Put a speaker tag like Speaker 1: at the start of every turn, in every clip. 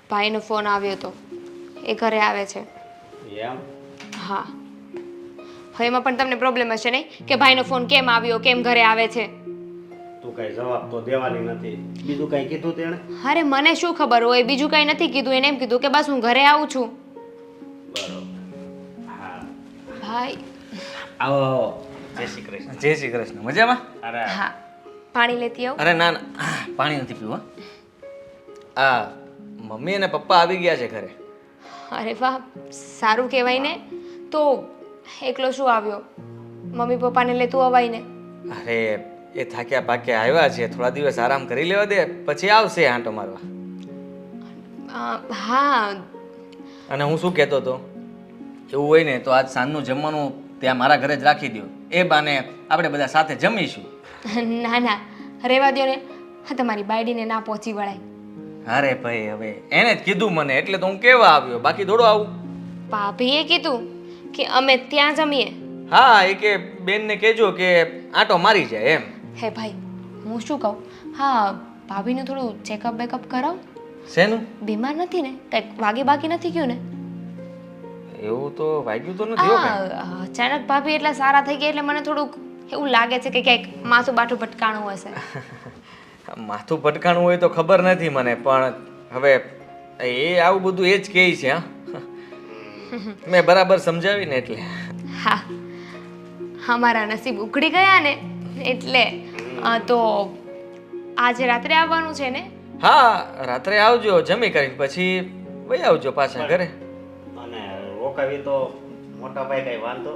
Speaker 1: ભાઈનો ફોન આવ્યો હતો, એ ઘરે આવે છે.
Speaker 2: એમ?
Speaker 1: હા. હવે એમાં પણ તમને પ્રોબ્લેમ હશે નહીં કે ભાઈનો ફોન કેમ આવ્યો, કેમ ઘરે આવે છે?
Speaker 2: તું કઈ જવાબ તો દેવાની નથી. બીજું કઈ કીધું તેણે?
Speaker 1: અરે મને શું ખબર હોય, બીજું કંઈ નથી કીધું. એને એમ કીધું કે બસ હું ઘરે આવું છું.
Speaker 2: બરોબર. હા.
Speaker 1: ભાઈ.
Speaker 2: આવો આવો. જય શ્રી કૃષ્ણ.
Speaker 3: જય શ્રી કૃષ્ણ. મજામાં?
Speaker 2: અરે
Speaker 1: હા, પાણી લેતી આવું.
Speaker 3: અરે ના ના, પાણી નથી પીવું. આ મમ્મી અને પપ્પા આવી ગયા છે ઘરે.
Speaker 1: અરે વાહ, સારું કહેવાય ને. તો એકલો શું આવ્યો? મમ્મી પપ્પાને લેતું અવાય ને.
Speaker 3: અરે એ થાક્યા પાક્યા આવ્યા છે, થોડા દિવસ આરામ કરી લેવા દે, પછી આવશે આંટો મારવા.
Speaker 1: હા.
Speaker 3: અને હું શું કહેતો હતો, એવું હોય ને તો આજ સાંજનું જમવાનું ત્યાં મારા ઘરે જ રાખી દો. એ બાને આપણે બધા સાથે જમીશું.
Speaker 1: ના ના, રહેવા દો ને. હા, તમારી બાયડીને ના પહોંચી વળાય.
Speaker 3: અરે ભાઈ, હવે એને જ કીધું મને, એટલે તો હું કેવા આવ્યો, બાકી દોડો આવું.
Speaker 1: ભાભીએ કીધું કે અમે ત્યાં જમીએ.
Speaker 3: હા, એ કે બેનને કહેજો કે આંટો મારી જાય એમ.
Speaker 1: હે ભાઈ, હું શું કહું? હા, ભાભીનું થોડું ચેકઅપ બેકઅપ કરાવ.
Speaker 3: શેનું?
Speaker 1: બીમાર નથી ને? કંઈક વાગે બાકી નથી ગયું ને?
Speaker 3: એવું તો વાગ્યું તો નથી હો કાંઈ.
Speaker 1: હા, અચાનક ભાભી એટલા સારા થઈ ગયા એટલે મને થોડુંક એવું લાગે છે કે ક્યાંક માથું બાઠું ભટકાણું હશે.
Speaker 3: માથું ભટકાણું હોય તો ખબર નથી મને, પણ હવે એ આવું બધું એ જ કહે છે. હા, મેં બરાબર સમજાવીને એટલે.
Speaker 1: હા, અમારા નસીબ ઉકળી ગયા ને એટલે. તો આજે રાત્રે આવવાનું છે ને?
Speaker 3: હા, રાત્રે આવજો, જમી કરીને પછી વહી આવજો પાછા ઘરે.
Speaker 2: અને રોકાવી તો મોટા ભાઈ કઈ વાંધો?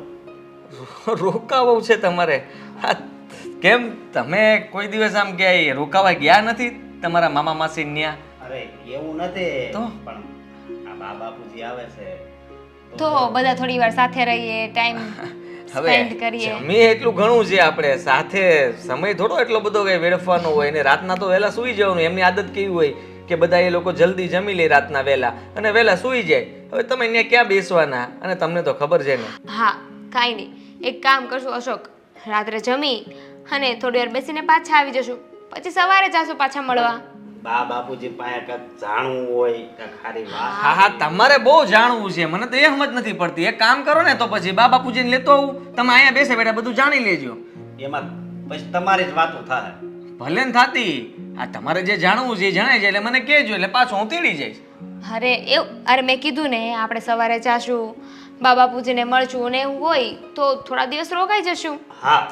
Speaker 3: રોકાવું છે તમારે? હા, કેમ તમે કોઈ દિવસ આમ ક્યાંય રોકાવા ગયા નથી તમારા મામા માસી ન્યા?
Speaker 2: અરે એવું નથી,
Speaker 3: તો?
Speaker 2: પણ આ બા બાપુજી આવે છે
Speaker 1: તો બધા થોડી વાર સાથે રહીએ, ટાઈમ સ્પેન્ડ કરીએ.
Speaker 3: જમીએ એટલું ઘણું છે, આપણે સાથે સમય થોડો એટલો બધો કઈ વેડફવાનો હોય. ને રાતના તો વહેલા સૂઈ જવાનું. એમની આદત કેવી હોય કે બધા એ લોકો જલ્દી જમી લે રાતના વહેલા અને વહેલા સૂઈ જાય. હવે તમે અહીંયા ક્યાં બેસવાના? અને તમને તો ખબર છે ને.
Speaker 1: હા, કાંઈ નહીં, એક કામ કરશું અશોક, રાત્રે જમી અને થોડી વાર બેસીને પાછા આવી જશું, પછી સવારે જાશું પાછા મળવા.
Speaker 2: બા બાપુજી પાસે કાંઈક જાણવું હોય, કાંઈક સારી વાત.
Speaker 3: હા હા, તમારે બહુ જાણવું છે, મને તો એ સમજ નથી પડતી. એક કામ કરો ને, તો પછી બા બાપુજીને લેતો આવું, તમે અહીંયા બેસે બેઠા બધું જાણી લેજો.
Speaker 2: એમાં પછી તમારી જ વાતો થાય.
Speaker 3: ભલે ને થાતી. આ તમારે જે જાણવું છે એ જણાય જાય એટલે મને કહેજો, એટલે પાછો હું તેડી જઈશ.
Speaker 1: અરે મેં કીધું ને આપણે સવારે જાશું, બા બાપુજીને મળશું ને એવું હોય તો થોડા દિવસ રોકાઈ જશું.
Speaker 2: હા.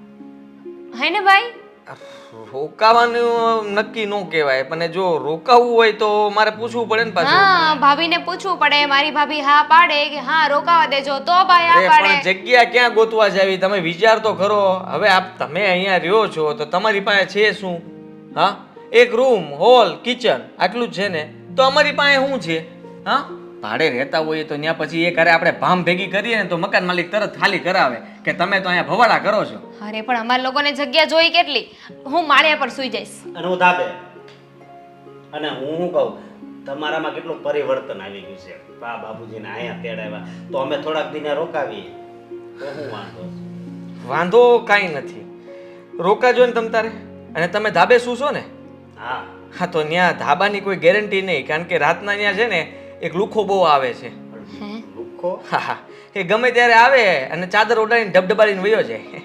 Speaker 1: હે ને ભાઈ?
Speaker 3: રોકાવાનું નક્કી ન કહેવાય, પણ જો રોકાવું હોય તો મારે પૂછવું પડે ને પાછું.
Speaker 1: હા, ભાભીને પૂછવું પડે. મારી ભાભી હા પાડે કે હા રોકાવા દેજો તો ભાઈ હા
Speaker 3: અરે
Speaker 1: પાડે.
Speaker 3: પણ જગ્યા ક્યાં ગોતવા જાવી? તમે વિચાર તો કરો. હવે તમે અહીંયા રહ્યો છો તો તમારી પાસે છે શું? હા, એક રૂમ, હોલ, કિચન, આટલું જ છે ને? તો અમારી પાસે શું છે? હા, ભાડે રહેતા હોઈએ તો ત્યાં પછી એ કરે આપણે ભામ ભેગી કરીએ ને તો મકાન માલિક તરત ખાલી કરાવે કે તમે તો અહીંયા ભવાડા કરો છો.
Speaker 1: અરે પણ અમારા લોકોને જગ્યા જોઈ કેટલી? હું માળિયા પર સૂઈ જઈશ.
Speaker 2: અને હું ધાબે. અને હું શું કહું, તમારામાં કેટલું પરિવર્તન આવી ગયું છે. બા બાપુજીને અહીંયા તેડાવ્યા તો અમે થોડાક દિને રોકાવીએ તો શું વાંધો છે?
Speaker 3: વાંધો કાંઈ નથી, રોકાજો ને તમ તારે. અને તમે ધાબે સૂશો ને?
Speaker 2: હા.
Speaker 3: હા, તો ત્યાં ધાબાની કોઈ ગેરંટી નહીં, કારણ કે રાતના ત્યાં છે ને એક લુખો બહુ આવે છે.
Speaker 1: હે?
Speaker 2: લુખ્ખો?
Speaker 3: હા હા, કે ગમે ત્યારે આવે અને ચાદર ઓઢાડીને ધબધબાડીને વયો જાય.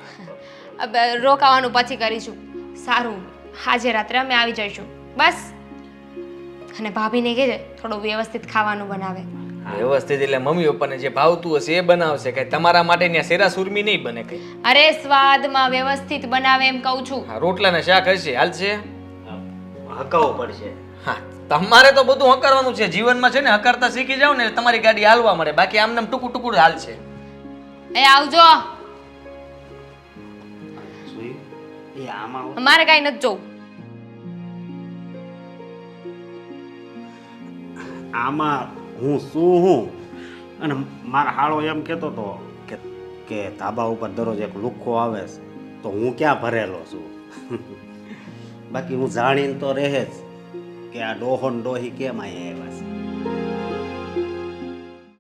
Speaker 1: રોકાવાનું પછી કરીશું. સારું, આજે રાત્રે અમે આવી જઈશું બસ. અને ભાભીને કહેજે થોડું વ્યવસ્થિત ખાવાનું બનાવે.
Speaker 3: વ્યવસ્થિત એટલે મમ્મી પપ્પાને જે ભાવતું હશે એ બનાવશે, કઈ તમારા માટે ત્યાં શેરા સુરમી નહીં બને કઈ.
Speaker 1: અરે સ્વાદમાં વ્યવસ્થિત બનાવે એમ કહું છું.
Speaker 3: હા, રોટલા ને શાક હશે, હાલશે.
Speaker 2: હકાવવું પડશે.
Speaker 3: હા, તમારે તો બધું હકારવાનું છે જીવનમાં, છે ને? હકારતા શીખી જાવ ને તમારી ગાડી હાલવા મળે, બાકી આમને ટુકું ટુકું હાલશે.
Speaker 1: એ આવજો.
Speaker 2: જોયું? એ આમાં
Speaker 1: મારે કાંઈ નથી જોવું.
Speaker 2: આમાં હું શું અને મારા હાળો એમ કહેતો હતો કે ધાબા ઉપર દરરોજ એક લુખ્ખો આવે છે તો હું ક્યાં ભરેલો છું. બાકી હું જાણીને તો રહે જ કે આ ડોહો ને ડોહી કેમ અહીંયા આવ્યા છે.